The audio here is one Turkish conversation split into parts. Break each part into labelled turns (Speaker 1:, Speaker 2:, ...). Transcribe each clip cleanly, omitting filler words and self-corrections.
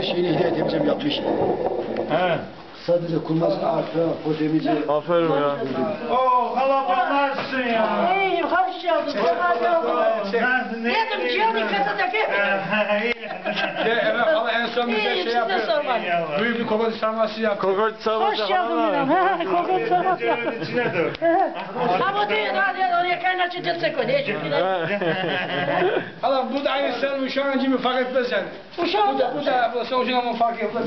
Speaker 1: şeyini hediye edeceğim yapmış.
Speaker 2: He.
Speaker 1: Sadece kurması artı, potemici.
Speaker 3: Aferin ya.
Speaker 2: Oo kalabalık nasılsın ya?
Speaker 4: İyiyim, hoş geldin.
Speaker 2: Nasılsın?
Speaker 4: Dedim Cihan'ın kasadaki.
Speaker 5: Evet ama en son bize
Speaker 4: İyiyim,
Speaker 5: şey
Speaker 4: size
Speaker 5: yapıyor.
Speaker 4: sormadım.
Speaker 5: Büyük bir kokoreç sarması yaptı.
Speaker 3: Kokoreç sarması
Speaker 4: Hoş geldin Miran. Ha, kokoreç sarması.
Speaker 2: Cevabın içine dur.
Speaker 4: Ama değil, hadi oraya kaynaşın destek o. Değişik bir
Speaker 5: Hala bu da aynı sen uşağın gibi fark etmez yani.
Speaker 4: Uşağım da.
Speaker 5: Bu da sonucun ama fark etmez.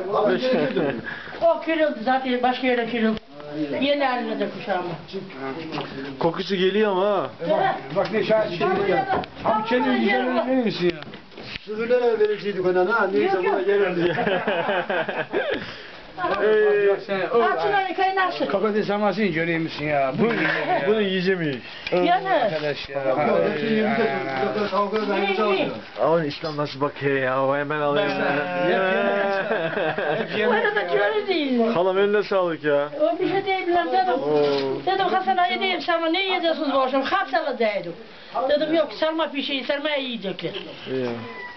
Speaker 4: O kırıldı zaten başka yere kırıldı. Yeni haline de kuşağım.
Speaker 3: Kokusu geliyor ama ha.
Speaker 5: Bak ne şahit şey ya. Abi kendin güzel verir misin ya?
Speaker 1: Sığırlara vereceydik ona ha. Neyse buna gelirdi.
Speaker 4: Açıları kaynaşın.
Speaker 5: Kokoreç sarmasını göreyim misin ya? Bu
Speaker 3: Bunu yiyeceğim.
Speaker 4: Yani.
Speaker 5: arkadaş ya.
Speaker 1: Kavga ben çalıyorum.
Speaker 3: Ama İslam nasıl bakıyor ya? O hemen alıyor.
Speaker 4: Bu arada köylü değil.
Speaker 3: Halam eline sağlık ya.
Speaker 4: O bir şey değil lan dedim. Dedim Hasan'a yedeyim sarma ne yiyeceksiniz bu akşam? Hapsalı dedim. Dedim yok sarma pişeyi sarmaya yiyecekler.
Speaker 3: İyi.